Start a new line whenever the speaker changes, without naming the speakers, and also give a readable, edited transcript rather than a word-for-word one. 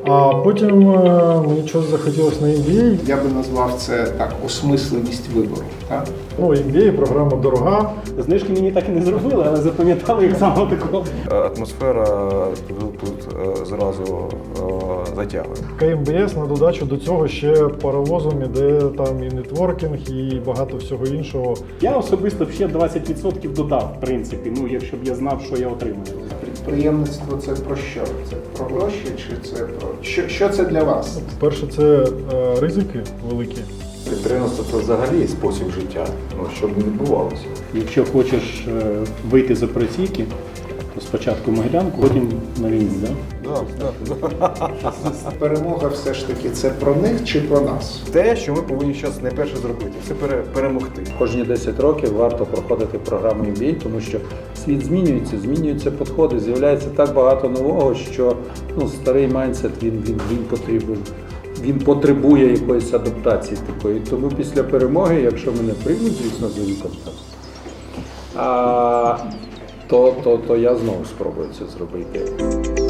А потім мені щось захотілося на MBA.
Я би назвав це так, осмисленість вибору. Так?
Ну, MBA, програма дорога.
Знижки мені так і не зробили, але запам'ятали їх самого такого.
Атмосфера тут зразу затягує.
КМБС на додачу до цього ще паровозом іде там і нетворкінг, і багато всього іншого.
Я особисто б ще 20% додав, в принципі, ну, якщо б я знав, що я отримую.
Підприємництво це про що? Це про гроші чи це про що це для вас?
Перше, це ризики великі.
Підприємство – це взагалі спосіб життя, щоб не відбувалося.
Якщо хочеш вийти з операційки, то спочатку Могилянку, потім на війну, да?
Перемога все ж таки це про них чи про нас?
Те, що ми повинні зараз найперше зробити, це перемогти.
Кожні 10 років варто проходити програму MBA, тому що світ змінюються підходи, з'являється так багато нового, що старий майндсет він потрібен. Він потребує якоїсь адаптації такої. Тому після перемоги, якщо мене приймуть, звісно, з вінком, то я знову спробую це зробити.